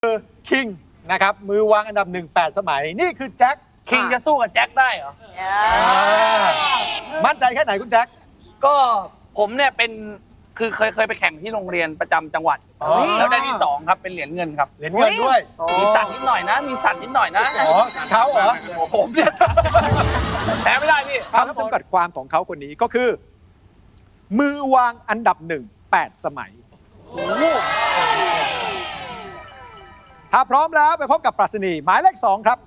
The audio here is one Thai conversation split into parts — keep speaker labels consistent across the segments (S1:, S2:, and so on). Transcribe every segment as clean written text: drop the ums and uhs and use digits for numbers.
S1: คิงนะครับมือวางอันดับ1 8 สมัยนี่คือแจ็ค
S2: คิงจะสู้กับแจ็คได้เหรอ
S1: มั่นใจแค่ไหนคุณแจ็ค
S2: ก็ผมเนี่ยเป็นคือเคยไปแข่งที่โรงเรียนประจำจังหวัด แล้วได้ที่ 2 ครับเป็นเหรียญเงินครับ
S1: เหรียญเงินด้วย
S2: มีสั่นนิดหน่อยนะ มีสั่นนิดหน่อยนะ
S1: อ๋อเขาเหรอ
S2: ผมเนี่ยแพ้ไม่ได้พี่
S1: คำจำกัดความของเขาคนนี้ก็คือ มือวางอันดับ1 8 สมัย ถ้าพร้อมแล้วไปพบกับปรัชนีหมายเลข 2 ครับ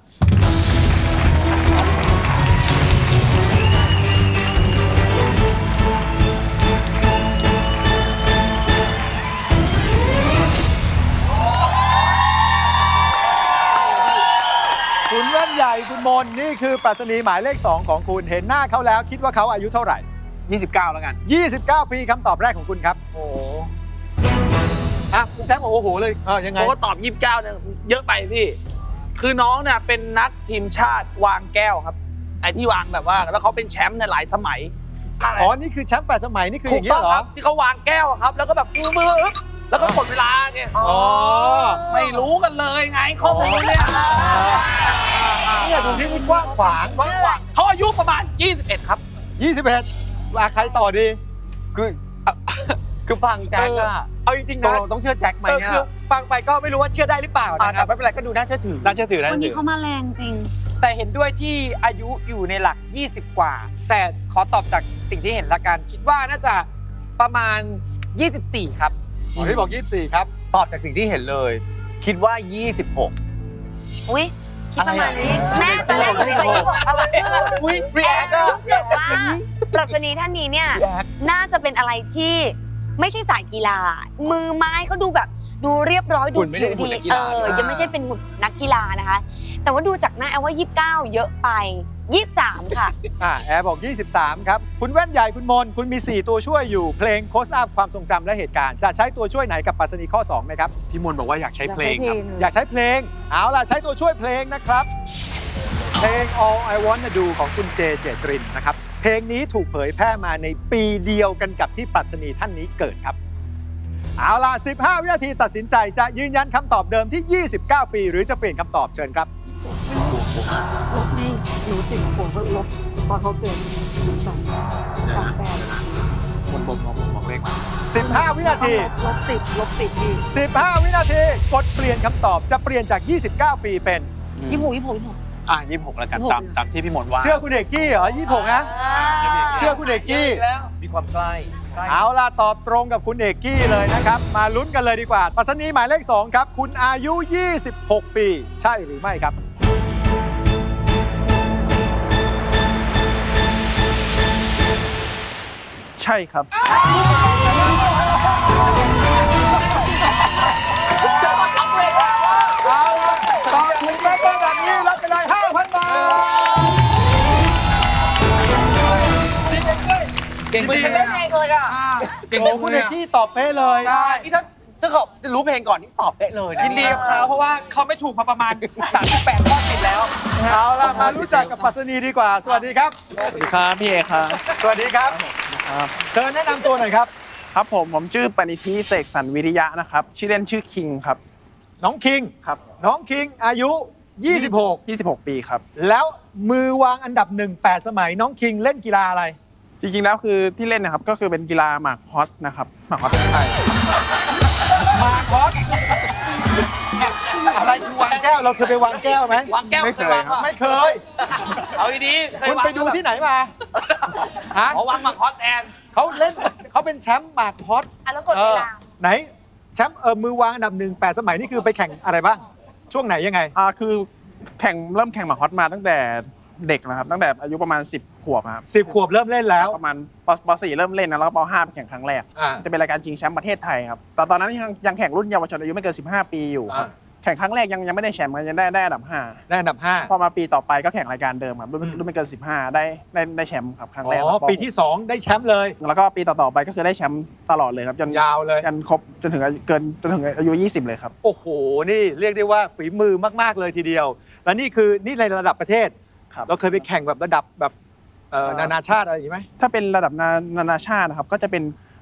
S1: คุณแว่นใหญ่คุณมนนี่คือปรัชนีหมายเลข 2 ของคุณเห็นหน้าเขาแล้วคิดว่าเขาอายุเท่าไหร่
S2: 29 แล้วกัน
S1: 29 ปีคำตอบแรกของคุณครับ
S2: โอ้
S1: อ่ะคุณแจ็คบอกโอ้โหเลยยังไง
S2: ผมก็ตอบ 29เนี่ยเยอะไปพี่ คือน้องเนี่ยเป็นนักทีมชาติวางแก้วครับ ไอ้ที่วางแบบว่าแล้วเขาเป็นแชมป์ในหลายสมัย
S1: อ๋อ นี่คือแชมป์8 สมัย นี่คืออ
S2: ถู
S1: ย่าก งนี้
S2: ต้อง
S1: เหร
S2: ค
S1: อ
S2: รับที่เขาวางแก้วอะครับ แล้วก็แบบฟื้บแล้วก็หมดเวลาไง
S1: อ๋อ
S2: ไม่รู้กันเลยไงข้อมูลเนี่ย
S1: เนี่ยดูที่นี่กว้างขวาง
S2: เขาอายุประมาณ 21 ครับ
S1: 21ว่าใครต่อดี
S3: คือฟังแจ็คอะ
S4: เอาจริงๆ
S3: ต
S4: นะ
S3: กลงต้องเชื่อแจ็คไหมเนี่ย
S4: คือฟังไปก็ไม่รู้ว่าเชื่อได้หรือเปล่า
S3: อ่ะ
S4: นะค
S3: แต่
S4: รับ
S3: ไม่เป็นไรก็ดูน่าเชื่อถือ
S1: น่าเชื่อถือนะ
S5: วันนี้เขามาแรงจริง
S4: แต่เห็นด้วยที่อายุอยู่ในหลัก 20 กว่า แต่ขอตอบจากสิ่งที่เห็นละกัน คิดว่าน่าจะประมาณ 24 ครับ
S1: หมอที่บอก 24 ครับ
S3: ตอบจากสิ่งที่เห็นเลย คิดว่า 26
S5: อุ้ยคิดประมาณนี้ แม่ตอนแรกหนูจะคิดว่าอะไร
S3: อุ้ยรีแอคอะ
S5: แต่ว่าปรัชนีท่านนี้เนี่ย น่าจะเป็นอะไรที่ไม่ใช่สายกีฬา มือไม้เขาดูแบบดูเรียบร้อยดูผิวดียังไม่ใช่เป็นหุ่นนักกีฬานะคะ แต่ว่าดูจากหน้าแอลว่า 29 เยอะไป 23 ค่ะ
S1: แอร์บอก 23 ครับ คุณแว่นใหญ่คุณมน คุณมี 4 ตัวช่วยอยู่ เพลงโคสอัพความทรงจำและเหตุการณ์ จะใช้ตัวช่วยไหนกับปรัชนีข้อ 2 ไหมครับ
S6: พี่มนต์บอกว่าอยากใช้เพลงครับ
S1: อยากใช้เพลง เอาล่ะ ใช้ตัวช่วยเพลงนะครับ เพลง All I Wanna Do ของคุณเจเจตรินนะครับ เพลงนี้ถูกเผยแพร่มาในปีเดียวกันกับที่ปรัชนีท่านนี้เกิดครับ เอาล่ะ 15 วินาทีตัดสินใจจะยืนยันคำตอบเดิมที่ 29 ปี หรือจะเปลี่ยนคำตอบเชิญครับ
S7: ลบให้หนู10 ขวบก็ลบตอนเขาเกิด38
S6: คนบอกเลขมา
S1: 15 วินาที
S7: ลบ10พี่
S1: 15 วินาที กดเปลี่ยนคำตอบจะเปลี่ยนจาก 29 ปีเป็น
S6: 26 แล้วกันตามที่พี่มนต์ว่า
S1: เชื่อคุณเอกกี้เหรอ 26 นะ เชื่อคุณเอกกี้
S3: มีความใกล้
S1: เอาล่ะ ตอบตรงกับคุณเอกกี้เลยนะครับ มาลุ้นกันเลยดีกว่าปรัชนีหมายเลข 2 ครับ คุณอายุ 26 ปี ใช่หรือไม่ครับ
S2: ใช่ครับ
S1: เอาล่ะตอบถูกแล้วก็แบบนี้รับไปเลย 5,000 บาท
S2: เก่งไป
S3: เป็น
S2: เล
S3: เล่
S2: ย
S3: นเองเลยอะ
S1: โอ้คุณเอกกี้ตอบเป๊ะเลย
S3: ใช่นี่ถ้าเขารู้เพลงก่อนนี่ตอบได้เลยนะ
S4: ยินดีกับเขาเพราะว่าเขาไม่ถูกมาประมาณ 38 ข้อติดแล้ว
S1: เอาล่ะ มารู้จักกับปรัชนีดีกว่า สวัสดีครับ
S2: สวัสดีครับพี่เอครับ
S1: สวัสดีครับ เชิญแนะนำตัวหน่อยครับ
S2: ครับผมชื่อปณิธิเสกสรรวิริยะนะครับ ชื่อเล่นชื่อคิงครับ
S1: น้องคิง
S2: ครับ
S1: น้องคิงอายุ 26
S2: ปีครับ
S1: แล้วมือวางอันดับ 1 8 สมัยน้องคิงเล่นกีฬาอะไร
S2: จริงๆแล้วคือที่เล่นนะครับก็คือเป็นกีฬาหมากฮอสนะครับหมากฮอสใช่
S1: มาคอสอะไรคือวางแก้ว เราเคยไปวางแก้วไหม
S2: วางแก้ว
S1: ไม่เคยครับไม่เคย
S2: เอาดีๆเคย
S1: คุณ
S2: วาง
S1: ไปดูที่ไหนมาฮะ
S2: อ๋อวางหมากฮอสแอน
S1: เขาเล่นเขาเป็นแชมป์หมากฮอต
S5: อ่ะแล้วกดเวลา
S1: ไหนแชมป์มือวางอันดับ 1 8 สมัยนี่คือไปแข่งอะไรบ้าง ช่วงไหนยังไง
S2: คือเริ่มแข่งหมากฮอสมาตั้งแต่เด็กนะครับตั้งแต่อายุประมาณ10 ขวบครับ
S1: 10 ขวบเริ่มเล่นแล้ว
S2: ประมาณป .4 เริ่มเล่นนะแล้วก็ป .5 ไปแข่งครั้งแรก จะเป็นรายการชิงแชมป์ประเทศไทยครับแต่ตอนนั้นยังแข่งรุ่นเยาวชนอายุไม่เกิน15 ปีอยู่ครับแข่งครั้งแรกยังไม่ได้แชมป์ยังได้อันดับ
S1: ได้อันดับ
S2: 5พอมาปีต่อไปก็แข่งรายการเดิมครับรุ่นไม่เกิน15ได้แชมป์ครับครั้ง
S1: 5
S2: แรก
S1: อ๋อ ปีที่ 2 ได้แชมป์เลย
S2: แล้วก็ปีต่อๆไปก็คือได้แชมป์ตลอดเลยครับจน
S1: ยาวเลย
S2: จนครบจนถึงอายุ20เลยครับ
S1: โอ้โห นี่เรียกได้ว่าฝีมือมาก ๆ เลยทีเดียว และนี่คือนี่ในระดับประเทศ
S2: ครับ
S1: เราเคยไปแข่งแบบระดับแบบนานาชาติอะไรอย่างนี้ไหม
S2: ถ้าเป็นระดับนานาชาตินะครับก็จะเป็น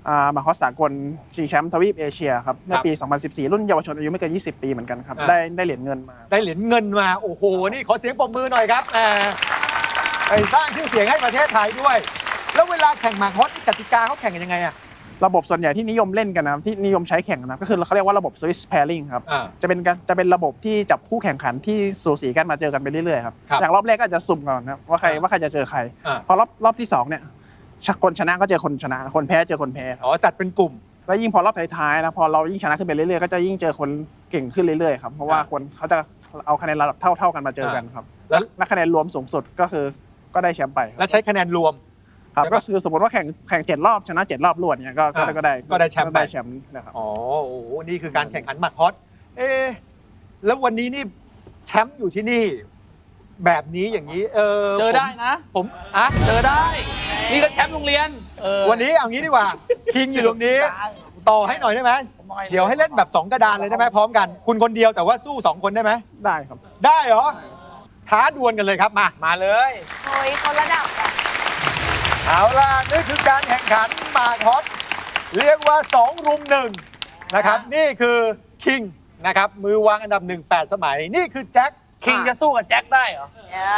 S2: มาคอสสากลชิงแชมป์ทวีปเอเชียครับในปี 2014 รุ่นเยาวชนอายุไม่เกิน 20 ปีเหมือนกันครับ ได้เหรียญเงินมา
S1: ได้เหรียญเงินมา โอ้โห นี่ขอเสียงปรบมือหน่อยครับไปสร้างชื่อเสียงให้ประเทศไทยด้วย แล้วเวลาแข่งหมากฮอตกติกาเขาแข่งกันยังไงอะ
S2: ระบบส่วนใหญ่ที่นิยมเล่นกันนะครับที่นิยมใช้แข่งนะก็คือเขาเรียกว่าระบบ Swiss pairing ครับจะเป็นระบบที่จับคู่แข่งขันที่สูสีกันมาเจอกันไปเรื่อยๆครับอย่างรอบแรกก็อาจจะสุ่มก่อนนะว่าใครจะเจอใครพอรอบที่2เนี่ยคนชนะก็เจอคนชนะคนแพ้เจอคนแพ้
S1: อ๋อจัดเป็นกลุ่ม
S2: แล้วยิ่งพอรอบท้ายๆนะพอเรายิ่งชนะขึ้นไปเรื่อยๆก็จะยิ่งเจอคนเก่งขึ้นเรื่อยๆครับเพราะว่าคนเขาจะเอาคะแนนระดับเท่ากันมาเจอกันครับและคะแนนรวมสูงสุดก็ได้แชมป์ไป
S1: แล้วใช้คะแนนรวม
S2: ครับก็คือสมมติว่าแข่ง7 รอบชนะ7 รอบรวดเนี่ยก็ได้แชมป์นะครับ
S1: อ๋อโอ้โหนี่คือการแข่งขันหมากฮอตแล้ววันนี้นี่แชมป์อยู่ที่นี่ แบบนี้อย่างนี้
S4: เจอได้นะผมเจอได้นี่ก็แชมป์โรงเรียน
S1: วันนี้เอางี้ดีกว่าคิงอยู่ตรงนี้ต่อให้หน่อยได้ไหมเดี๋ยวให้เล่นแบบ2กระดานเลยได้ไหมพร้อมกันคุณคนเดียวแต่ว่าสู้2คนได้ไหม
S2: ได้ครับ
S1: ได้เหรอท้าดวลกันเลยครับมาเลย
S5: เฮ้ยคนระดับอะ
S1: เอาล่ะนี่คือการแข่งขันหมากฮอตเรียกว่า2 รุม 1นะครับนี่คือคิงนะครับมือวางอันดับ1 8 สมัยนี่คือแจ็ค
S4: คิงจะสู้กับแจ็คได้เหรอ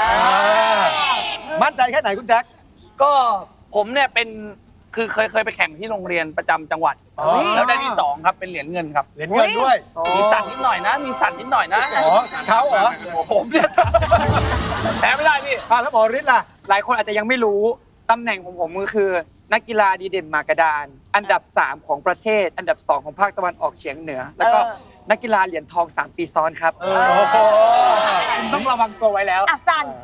S1: มั่นใจแค่ไหนคุณแจ็ค
S4: ก็ผมเนี่ยเป็นคือเคยไปแข่งที่โรงเรียนประจำจังหวัดแล้วได้ที่2ครับเป็นเหรียญเงินครับ
S1: เหรียญเงินด้วย
S4: มีสั่นนิดหน่อยนะ
S1: อ๋อเขาเหรอ
S4: ผมเนี่ยแพ้ไม่ได้พี่
S1: แล้วหมอฤทธิ์ล่ะ
S4: หลายคนอาจจะยังไม่รู้ตำแหน่งของผมก็คือนักกีฬาดีเด่นหมากกระดานอันดับ3ของประเทศอันดับ2ของภาคตะวันออกเฉียงเหนือแล้วก็นักกีฬาเหรียญทอง3 ปีซ้อนครับคุณต้องระวังตัวไว้แล้ว
S5: สั่น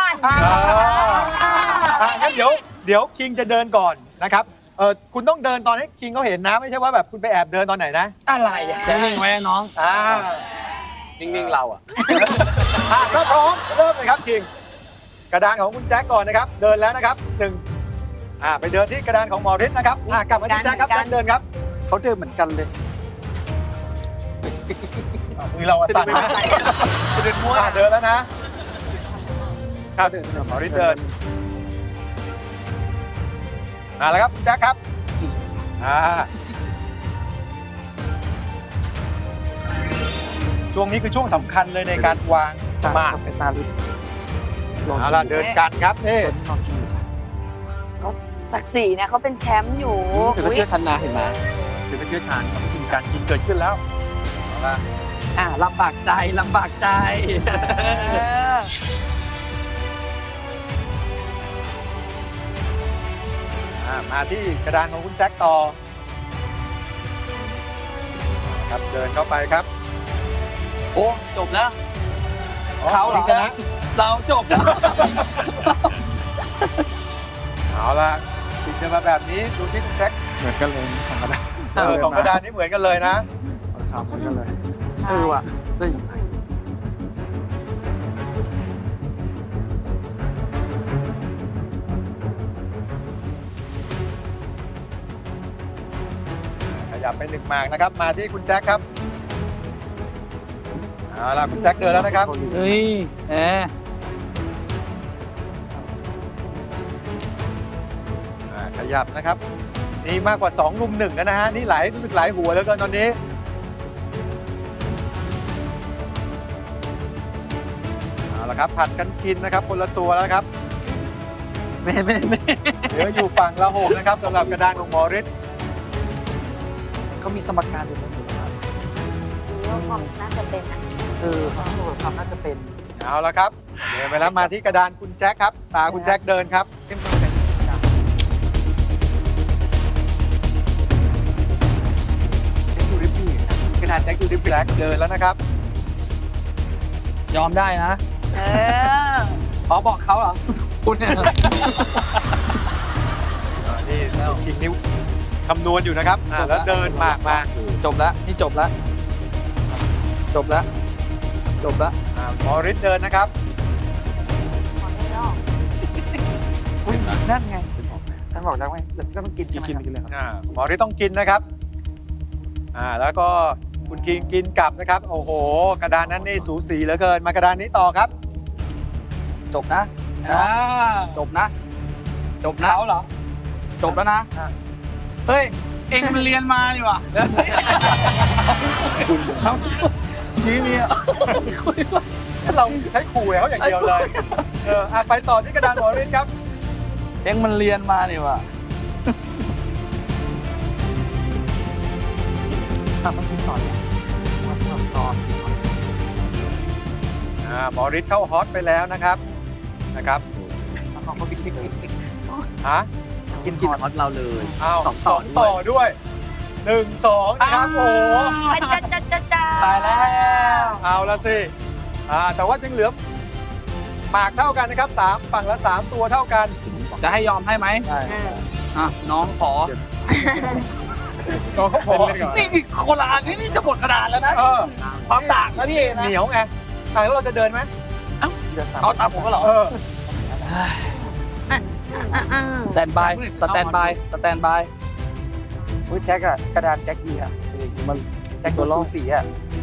S1: งั้นเดี๋ยวคิงจะเดินก่อนนะครับคุณต้องเดินตอนให้คิงเขาเห็นนะไม่ใช่ว่าแบบคุณไปแอบเดินตอนไหนนะ
S4: อะไรนิ่งไว้น้อง
S3: นิ่งๆเรา
S1: ถ้าพร้อมเริ่มเลยครับคิงกระดานของคุณแจ็คก่อนนะครับเดินแล้วนะครับ1ไปเดินที่กระดานของหมอฤทธิ์นะครับกลับมาที่แจ็คครับแจ็คเดินครับ
S4: เขาเดินเหมือนกันเลย
S1: มือเราสั่นนะเดินมั่วเดินแล้วนะครับหมอฤทธิ์เดินแล้วครับแจ็คครับช่วงนี้คือช่วงสำคัญเลยในการวางหมาก
S4: เป็นตาลิบ
S1: เอาล่ะเดินกันครับนี่
S5: ศักดิ์ศรีเนี่ยเขาเป็นแชมป์อยู่
S3: ถือว่าเชื่อชันนะเห็นไหม
S1: ถือว่าเชื่อชันการกินเกิดขึ้นแล้ว
S4: ลำบากใจ
S1: มาที่กระดานของคุณแจ็คต่อครับเดินเข้าไปครับ
S4: โอ้จบแล้วเขา
S1: ชนะ
S4: เราจบแล้ว
S1: เอาล่ะติดกันมาแบบนี้ดูที่คุณแจ็ค
S2: เหมือนกันเลย2 กระดาน
S1: 2 กระดานนี้เหมือนกันเลยนะ
S2: ครับเหมือนกันเลย
S4: ว่ะได้ยังไง
S1: ขยับไป1 หมากนะครับมาที่คุณแจ็คครับเอาล่ะคุณแจ็คเดินแล้วนะครับขยับนะครับนี่มากกว่า2 รุม 1แล้วนะฮะนี่รู้สึกหลายหัวแล้วกันตอนนี้เอาละครับผัดกันกินนะครับคนละตัวแล้วครับ
S4: ไม่
S1: เหลืออยู่ฝั่งละ6นะครับสำหรับกระดานของหมอฤทธิ์
S4: เขามีสมการอยู่นะครับ
S5: ความน่าจะเป็นนะ
S4: ความน่าจะเป็น
S1: เอาละครับเดินไปแล้วมาที่กระดานคุณแจ็คครับตาคุณแจ็คเดินครับกระดานแจ็คอยู่ริบแจ็คเดินแล้วนะครับ
S4: ยอมได้นะบอกเขาเหรอคุณเนี่ย
S1: นี่คิงนิ้วคำนวณอยู่นะครับแล้วเดินมากมา
S4: จบแล้วนี่จบแล้ว
S1: หมอฤทธิ์เดินนะครับ
S4: นั่นไงฉันบอกแล้วไงเดี๋ยวก็ต้องกินเลย
S1: หมอฤทธิ์ต้องกินนะครับแล้วก็คุณคิงกินกลับนะครับโอ้โหกระดานนั้นนี่สูสีเหลือเกินมากระดานนี้ต่อครับ
S4: จบนะเขาเหรอ
S2: จบแล้วนะ
S4: เฮ้ย
S3: องมันเรียนมาดีกว่านี่เนี่ย
S1: เราใช้ขู่เขาอย่างเดียวเลยไปต่อที่กระดานหมอฤทธิ์ครับ
S3: เองมันเรียนมาดีกว่า
S1: หมอฤทธิ์เข้าฮอตไปแล้วนะครับฮะ
S3: กินฮอตเราเลย
S1: อ้าว
S3: สองต่อ
S1: ต่อด้วย1 2นะครับโอ้โห
S5: จ้า
S1: ตายแล้วเอาละสิแต่ว่ายังเหลือหมากเท่ากันนะครับ3ฝั่งละ3ตัวเท่ากัน
S3: จะให้ยอมให้ไหมอ่ะน้องขอ
S1: น้องเขาขอ
S3: นี่โคราณนี่จะหมดกระดาษแล้วนะความต่างนะพี่เองนะ
S1: เหนียวไงแล้วเราจะเดินไหม
S3: เอาตามผมก็เหรอสแตนบายสแตนบายสแตนบาย
S4: อุ้ยแจ็คอะกระดานแจ็คดีอะ
S3: มัน
S4: แจ็คตัวสูสีอะ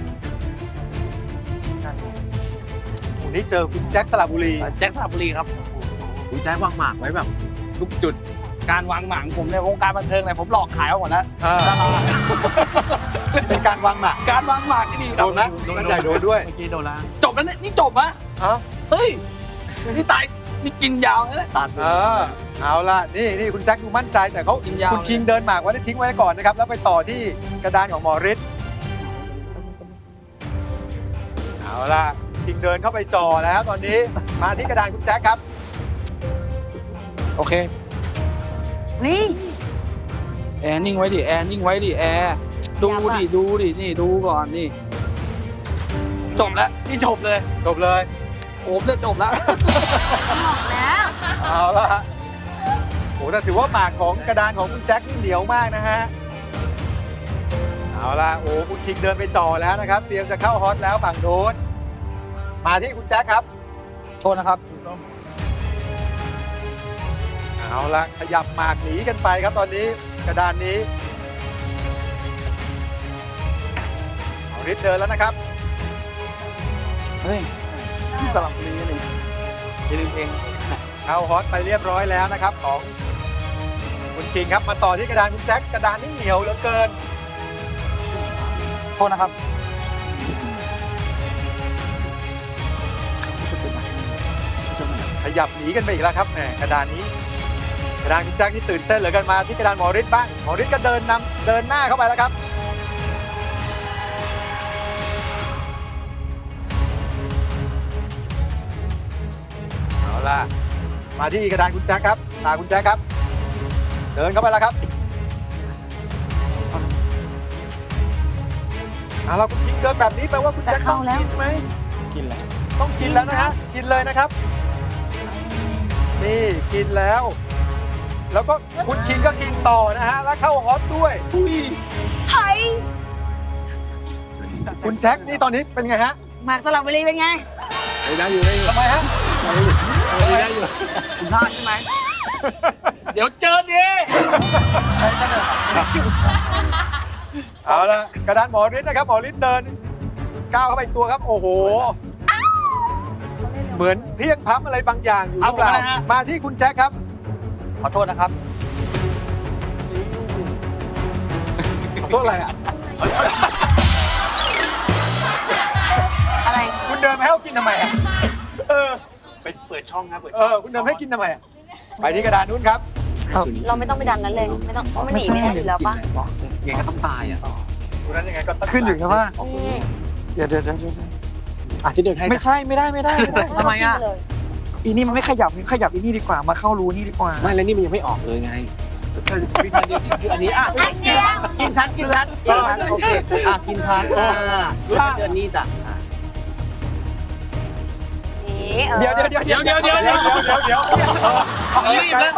S1: วันนี้เจอคุณแจ็คสระบุรี
S3: แจ็คสระบุรีครับ
S6: คุณแจ็ควางหมากไว้แบบทุกจุด
S3: การวางหมางผมในวงการบันเทิงเนี่ยผมหลอกขายมาหมดแล้ว
S1: เป็นการวางหมาก
S3: การวางหมากที่ดี
S1: โดนนะมันใหญ่โดนด้วย
S6: เมื่อกี้โดนแล้ว
S3: จบแล้วเนี่ยนี่จบอะเฮ้ยนี่ตายนี่กินยาวเลย
S6: ตัด
S1: เอาล่ะนี่คุณแจ็คดูมั่นใจแต่เขา
S3: กินยาว
S1: คุณคิงเดินหมากไว้ได้ทิ้งไว้ก่อนนะครับแล้วไปต่อที่กระดานของหมอฤทธิ์เอาล่ะคิงเดินเข้าไปจ่อแล้วตอนนี้มาที่กระดานคุณแจ็คครับ
S3: โอเค
S5: เฮ้ย
S3: แอร์นิ่งไว้ดิแอร์นิ่งไว้ดิแอร์ดูดินี่ดูก่อนนี่จบแล้วนี่จบเลย
S1: จบเลย
S3: ผมจะจบแล้ว
S5: แล้ว
S1: เอาล่ะโอ้แต่ถือว่าหมากของกระดานของคุณแจ็คนี่เหนียวมากนะฮะเอาล่ะโอ้คุณคิงเดินไปจ่อแล้วนะครับเตรียมจะเข้าฮอตแล้วฝั่งโน้นมาที่คุณแจ็คครับ
S3: โทษนะครับ
S1: เอาละขยับหมากหนีกันไปครับตอนนี้กระดานนี้เอาฤทธิ์เดินแล้วนะครับ
S3: เฮ้ยสลับบุรีนี่อย่าลืมเพลง
S1: เข้าฮอตไปเรียบร้อยแล้วนะครับของคุณคิงครับมาต่อที่กระดานคุณแจ็คกระดานนี่เหนียวเหลือเกิน
S3: โทษนะครับ
S1: ขยับหนีกันไปอีกแล้วครับแหมกระดานนี้กระดานคุณแจ็คนี่ตื่นเต้นเหลือเกินมาที่กระดานหมอฤทธิ์บ้างหมอฤทธิ์ก็เดินหน้าเข้าไปแล้วครับเอาล่ะมาที่กระดานคุณแจ็คครับตาคุณแจ็คครับ เดินเข้าไปแล้วครับเราคุณคิงเดินแบบนี้แปลว่าคุณแจ็คต้องกินไหม
S6: กินแล้ว
S1: ต้องกินแล้วนะฮะกินเลยนะครับ นี่กินแล้ว แล้วก็คุณคิงก็กินต่อนะฮะแล้วเข้าฮอตด้วย
S5: เฮ้ย
S1: คุณแจ็คนี่ตอนนี้เป็นไงฮะ
S5: หมากสลับบุรีเป็นไง
S6: ได้อยู่ได้อยู่
S1: ทำไมฮะ
S6: ได้อยู่
S3: คุณพลาดใช่ไหม เดี๋ยวเจอดิ
S1: เอาละกระดานหมอฤทธิ์นะครับหมอฤทธิ์เดินก้าวเข้าไปอีกตัวครับโอ้โหเหมือนเพียงพับอะไรบางอย่างอยู่หรือเปล่ามาที่คุณแจ็คครับ
S3: ขอโทษนะครับ
S1: ขอโทษอะไรอ่ะ
S5: อะไร
S1: คุณเดินไปให้เขากินทำไมอ่ะเออ
S6: ไปเปิดช่องครับเปิด
S1: คุณเดินให้กินทำไมอ่ะไปที่กระดานนู้นครับ
S5: เราไม่ต้องไปดันนั้นเลยไม่ต้องเพราะมันหนีไม่ได้อยู่แล้วปะ
S6: ไงก็ต้องตายอ่ะ
S1: คุณนั้นยังไงก็ต้อง
S4: ขึ้นอยู่แค่ว่า
S5: อืม
S4: เดี๋ยว
S6: อาจจะเดินให้
S4: ไม่ใช่ไม่ได้
S6: ทำไมอ่ะ
S4: อีนี่มันไม่ขยับอีนี่ดีกว่ามาเข้ารูนี่ดีกว่า
S6: ไม่แล้วนี่มันยังไม่ออกเลยไงวิธีเดียวคืออันนี้อ่ะ
S5: อันเดียว
S6: กินชั้นโอเคกินชั้นรู้สึกเดือนนี้จ้ะ
S5: นี่
S4: เดี๋ยว
S1: เดี๋ยวรีบแล้ว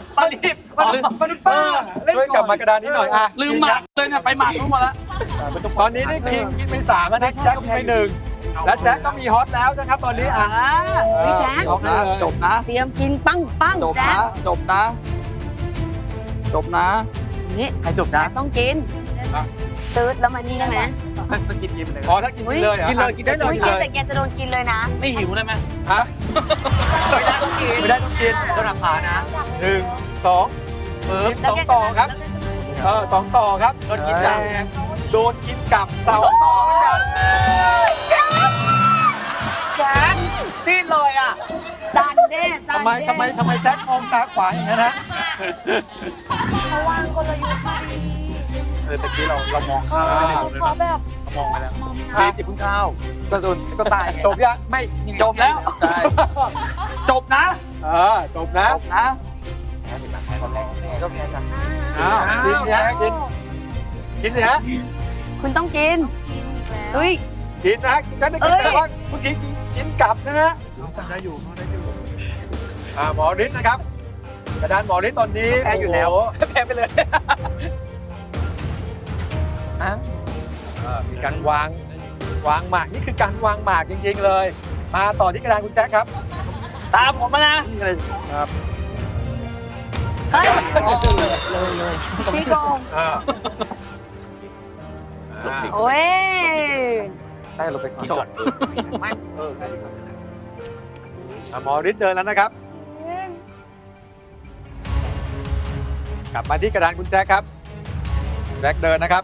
S1: ช่วยกลับมากระดานนี้หน่อยอ่ะ
S3: ลืมหมากเลยเนี่ยไปหมากรู้มาแล้ว
S1: ตอนนี้ได้คิงกินไป3แล้วนะแจ็คกินไป1และแจ็คก็มีฮอตแล้วนะครับตอนนี้อ่ะ
S5: พี่แจ๊ค
S3: จบนะจบนะ
S5: เตรียมกินปังปัง
S3: จบ
S5: แจ๊
S3: นะ
S5: ค
S3: จบนะจบนะ
S5: นี่
S4: ใครจบ
S5: แจ๊
S4: นะ
S5: คต้องกินตืดแล้วมานี่ได้ไหม
S4: ต้องกินเลย
S1: อ๋อถ้ากินเลยเหรอ
S6: กินเลยกินได้เลย
S5: อุ้ยกินแต่แกจะโดนกินเลยนะ
S3: ไม่หิวได้ไหม
S1: ฮะไม่ได้ต้องกิน
S6: โดนราคานะ
S1: 1 2กิน2ต่อครับ 2 ต่อครับโดนกินกลับโดนกินกลับ2 ต่อเหมือนกัน
S6: แจ๊คซีดเลยอ่ะ
S5: ซันเด้ซัน
S1: ทำไมแจ็คมองตาขวาอย่างนั้นนะ
S5: เขาวางกลยุทธ์มาดี
S1: ตะกี้เรามอง
S5: เขาแบบ
S1: มองไปแล้ว
S6: ซีดอย่าเพิ่งเข้า
S4: ก็ตาย
S1: จบยังไม่
S3: จบแล้ว
S6: ใช่
S3: จบนะ
S1: จบนะ
S3: จบนะ
S4: ก็แพ้กัน
S1: อ้าวกินเนี่ยกินสิฮะ
S5: คุณต้องกินอุ้ย
S1: กินนะก็ได้กินแต่ว่าเมื่อกี้กินกลับนะฮะได้อยู่หมอฤทธิ์นะครับกระดานหมอฤทธิ์ตอนนี้
S4: แพ้อยู่แล้ว
S1: โโห
S4: แพ้ไปเลย
S1: มีการวางหมากนี่คือการวางหมากจริงๆเลย มาต่อที่กระดานคุณแจ็คครับ
S3: ตามผมมานะ
S1: นี่อะไรครับ
S5: เฮ้ยพี่โกงโอ้ย
S4: ใช่เราไปก่อน
S1: หมอฤทธิ์เดินแล้วนะครับ กลับมาที่กระดานคุณแจ็คครับแจ็คเดินนะครับ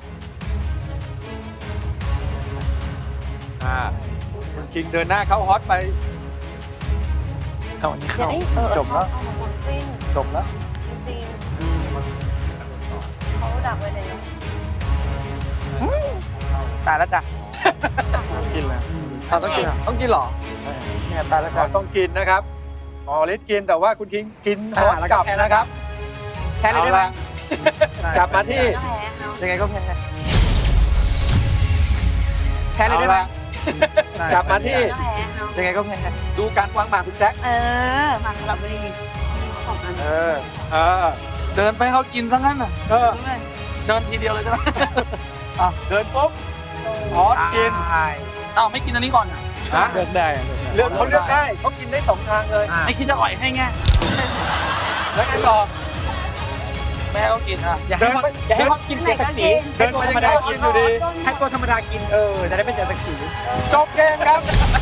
S1: คุณคิงเดินหน้าเข้าฮอตไป
S4: เอาอันนี้
S5: อย่า
S4: เข้า
S5: ได้
S4: จบแล้ว
S5: สิ้น
S4: จบแล้ว
S5: จริงเขาดักไว้เลย
S4: ตายแล้วจ้ะ
S1: กินแล้ว
S4: เราต้องกิน
S6: ต้องกินเหรอ
S4: เนี่ยตายแล้ว
S1: เรา
S4: จ้ะ
S1: ต้องกินนะครับหมอฤทธิ์กินแต่ว่าคุณคิงกินฮอตกลับนะครับ
S4: แพ้เลยได้ไหม
S1: กลับมาที่
S4: ยังไงก็แพ้แพ้เลย
S1: เอา
S4: ได้ไหม
S1: ละกลับมาที่
S4: ยังไงก็แพ้
S1: ดูการวางหมากคุณแจ็ค
S5: มาสลับบุรีสองอัน
S1: เออ
S3: เดินไปให้เขากินซะงั้นน่ะ
S1: เดิน
S3: ทีเดียวเลยใช่ไหม
S1: ปุ๊บฮอตกิน
S3: อ้าวไม่กินอันนี้ก่อนอ่ะ
S1: ฮะ
S2: เลือกได้
S1: เลือกเขาเลือกได้เขากินได้2 ทางเลย
S3: ไม่คิดจะอ่อยให้ไง
S1: แล้วไงต่อ
S3: แม่ก็กินอ่ะ
S4: อย่าให้เขากินเสียศักดิ์ศรี
S1: เดินไปยังไงก็กินอยู่ดี
S4: ให้ตัวธรรมดากินจะได้ไม่เสียศักดิ์ศรี
S1: จบเกมครับ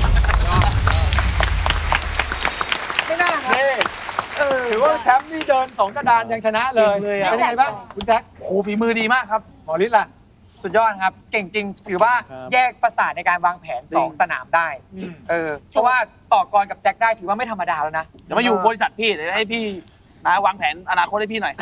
S4: ไม่น่าครับ
S1: นี่ถือว่าแชมป์นี่เดิน2 กระดานยังชนะเลย
S3: เลยอะ
S1: เป็นยังไงบ้างคุณแจ็ค
S3: โหฝีมือดีมากครับ
S1: หมอฤทธิ์ล่ะ
S4: สุดยอดครับ เก่งจริง ถือว่า
S1: ครับ
S4: แยกประสาทในการวางแผน 2 สนามได้ เพราะว่าต่อกรกับแจ็คได้ถือว่าไม่ธรรมดาแล้วนะ
S3: เดี๋ยวมาอยู่บริษัทพี่เดี๋ยวให้พี่นะวางแผนอนาคตให้พี่หน่อย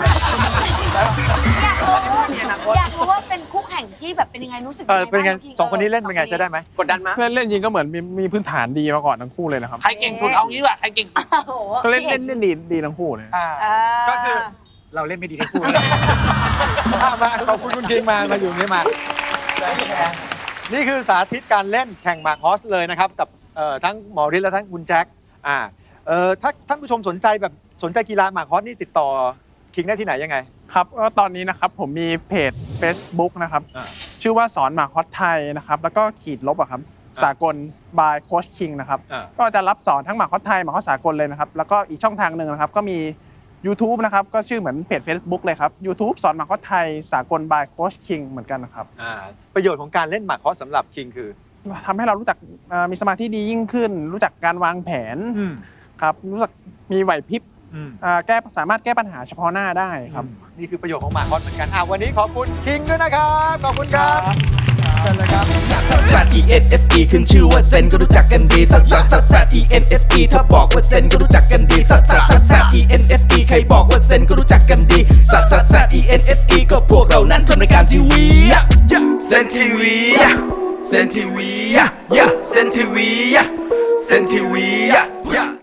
S5: อยากรู้ว่าเป็นคู่แข่งที่แบบเป็นยังไงรู้สึก
S1: เป็นไง2 คนนี้เล่นเป็นไงใช้ได้ไหม
S6: กดดันไหม
S2: เล่นจริงก็เหมือนมีพื้นฐานดีมาก่อนทั้งคู่เลยนะครับ
S3: ใครเก่งสุดเอางี้ดีกว่าใครเก่งสุด
S5: โอ้โห
S2: ก็เล่นดีทั้งคู่เลย
S4: ก็คือเราเล่นไม่ดีทั้งคู่
S1: มาขอบคุณคุณคิงมาอยู่นี่มา นี่คือสาธิตการเล่นแข่งหมากฮอสเลยนะครับ กับทั้งหมอฤทธิ์และทั้งคุณแจ็คถ้าท่านผู้ชมสนใจกีฬาหมากฮอสนี่ติดต่อคิงได้ที่ไหนยังไง
S2: ครับก็ตอนนี้นะครับผมมีเพจ Facebook นะครับ ชื่อว่าสอนหมากฮอตไทยนะครับ แล้วก็ขีดลบอะครับสากล by Coach King นะครับ ก็จะรับสอนทั้งหมากฮอตไทยหมากฮอตสากลเลยนะครับ แล้วก็อีกช่องทางหนึ่งนะครับก็มี YouTube นะครับก็ชื่อเหมือนเพจ Facebook เลยครับ YouTube สอนหมากฮอตไทยสากล by Coach King เหมือนกันนะครับ
S1: ประโยชน์ของการเล่นหมากฮอสสำหรับคิงคือ
S2: ทำให้เรารู้จักมีสมาธิดียิ่งขึ้น รู้จักการวางแผนครับรู้จักมีไหวพริบสามารถแก้ปัญหาเฉพาะหน้าได้ครับ
S1: นี่คือประโยชน์ของหมากฮอสเหมือนกันวันนี้ขอบคุณคิงด้วยนะครับขอบคุณครับเชิญเลยครับ
S8: ซัส E N S E ขึ้นชื่อว่าเซนก็รู้จักกันดีซัส E N S E ถ้าบอกว่าเซนก็รู้จักกันดีซัส E N S E ใครบอกว่าเซนก็รู้จักกันดีซัส E N S E ก็พวกเรานั้นทำรายการทีวีเซนทีวีเซนทีวีเซนทีวีเซนทีวี